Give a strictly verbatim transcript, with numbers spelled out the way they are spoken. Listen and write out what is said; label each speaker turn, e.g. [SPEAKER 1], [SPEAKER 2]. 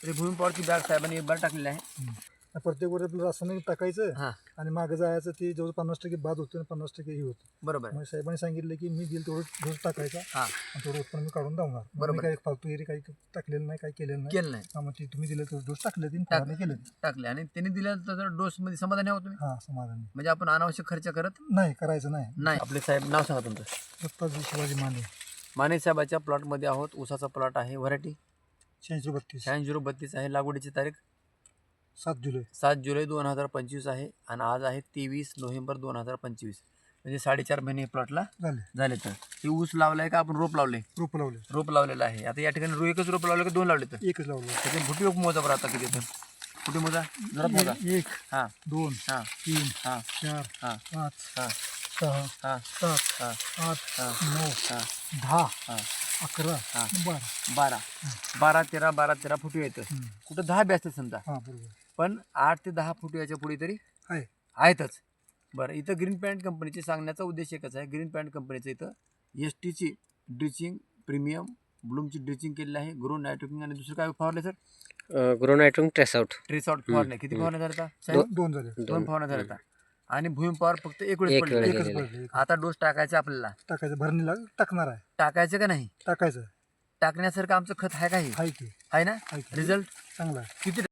[SPEAKER 1] तरी भूमी पॉवरची बॅग साहेबांनी एक बार टाकलेली आहे.
[SPEAKER 2] प्रत्येक वर आपलं रासायनिक टाकायचं
[SPEAKER 1] हां
[SPEAKER 2] आणि मागे जायचं ते जवळ पन्नास टक्के बाद होतं आणि पन्नास टक्के हे होतं.
[SPEAKER 1] बरोबर आहे.
[SPEAKER 2] मग साहेबांनी सांगितलं की मी दिल तेवढं डोस टाकायचा
[SPEAKER 1] हां
[SPEAKER 2] आणि थोडं उत्पन्न मी काढून दावणार.
[SPEAKER 1] बरोबर.
[SPEAKER 2] मी काही फालतू एरी काही टाकलेलं नाही, काही केलेलं नाही.
[SPEAKER 1] केलं नाही,
[SPEAKER 2] हा, मग ते तुम्ही दिलं तेवढं डोस टाकले तीन
[SPEAKER 1] टाक-
[SPEAKER 2] फवारणी केले.
[SPEAKER 1] टाकले आणि त्यांनी दिलेलं तर डोस मध्ये समाधानी आहोत तुम्ही.
[SPEAKER 2] हा, समाधानी
[SPEAKER 1] म्हणजे आपण अनावश्यक खर्च करत
[SPEAKER 2] नाही, करायचं नाही.
[SPEAKER 1] नाही. आपले साहेब नाव सांगा तुमचं.
[SPEAKER 2] दत्ताजी शिवाजी माने,
[SPEAKER 1] माने साहेबाच्या प्लॉटमध्ये आहोत. ऊसाचा प्लॉट आहे. व्हरायटी
[SPEAKER 2] शहाऐंशी बत्तीस,
[SPEAKER 1] शहाऐंशी झिरो बत्तीस आहे. लागवडीची तारीख
[SPEAKER 2] सात जुलै.
[SPEAKER 1] सात जुलै दोन हजार पंचवीस आहे आणि आज आहे तेवीस नोव्हेंबर दोन हजार पंचवीस. म्हणजे साडेचार महिने प्लॉटला
[SPEAKER 2] झाले.
[SPEAKER 1] झाले. तर हे ऊस लावलाय का आपण रोप लावले?
[SPEAKER 2] रोप लावले.
[SPEAKER 1] रोप लावलेलं आहे. आता या ठिकाणी रो एकच रोप लावले का दोन लावले? तर
[SPEAKER 2] एकच लावलं.
[SPEAKER 1] त्याचे फुटी मोजा बरं आता किती? तर फुटी मोजा जरा मोजा.
[SPEAKER 2] एक,
[SPEAKER 1] हां
[SPEAKER 2] दोन,
[SPEAKER 1] हां
[SPEAKER 2] तीन,
[SPEAKER 1] हां
[SPEAKER 2] चार,
[SPEAKER 1] हां
[SPEAKER 2] पाच,
[SPEAKER 1] हां
[SPEAKER 2] सहा,
[SPEAKER 1] हां
[SPEAKER 2] सात,
[SPEAKER 1] हां
[SPEAKER 2] आठ,
[SPEAKER 1] हां
[SPEAKER 2] नऊ,
[SPEAKER 1] हां
[SPEAKER 2] दहा,
[SPEAKER 1] हां
[SPEAKER 2] अकरा,
[SPEAKER 1] हां.
[SPEAKER 2] बारा.
[SPEAKER 1] बारा बारा तेरा बारा तेरा फुटी येतं.
[SPEAKER 2] हम्म.
[SPEAKER 1] कुठं दहा बी असते समजा,
[SPEAKER 2] हा, बरोबर
[SPEAKER 1] पण आठ ते दहा फुटी याच्या पुढे तरी
[SPEAKER 2] आहे.
[SPEAKER 1] आहेतच. बरं, इथं ग्रीन पॅन्ट कंपनीचे सांगण्याचा उद्देश एकच आहे. ग्रीन पॅन्ट कंपनीचं इथं एस टीची ड्रिचिंग प्रीमियम ब्लूमची ड्रिचिंग केलेली आहे. ग्रो नायट्रोकिंग आणि दुसरं काय फवारले सर?
[SPEAKER 3] ग्रोनायट्रोन ट्रेस आउट
[SPEAKER 1] ट्रेस आउट फवारणे. किती फवारण्या झाल्या आता?
[SPEAKER 2] दोन दोन झाले.
[SPEAKER 1] दोन फवारण्या झाल्या आता. आणि भूमी पॉवर फक्त एक वेळेस
[SPEAKER 3] एक
[SPEAKER 1] पडलेला
[SPEAKER 3] वेळेस.
[SPEAKER 1] आहे.
[SPEAKER 2] एकच
[SPEAKER 3] गेलेले.
[SPEAKER 2] पडले. एकच.
[SPEAKER 1] आता डोस टाकायचा आपल्याला.
[SPEAKER 2] टाकायचं, भरणीला टाकणार आहे.
[SPEAKER 1] टाकायचं का नाही?
[SPEAKER 2] टाकायचं
[SPEAKER 1] टाकण्यासारखं आमचं खत आहे का? हे
[SPEAKER 2] आहे की
[SPEAKER 1] आहे ना?
[SPEAKER 2] आहे की.
[SPEAKER 1] रिझल्ट
[SPEAKER 2] चांगला आहे.
[SPEAKER 1] किती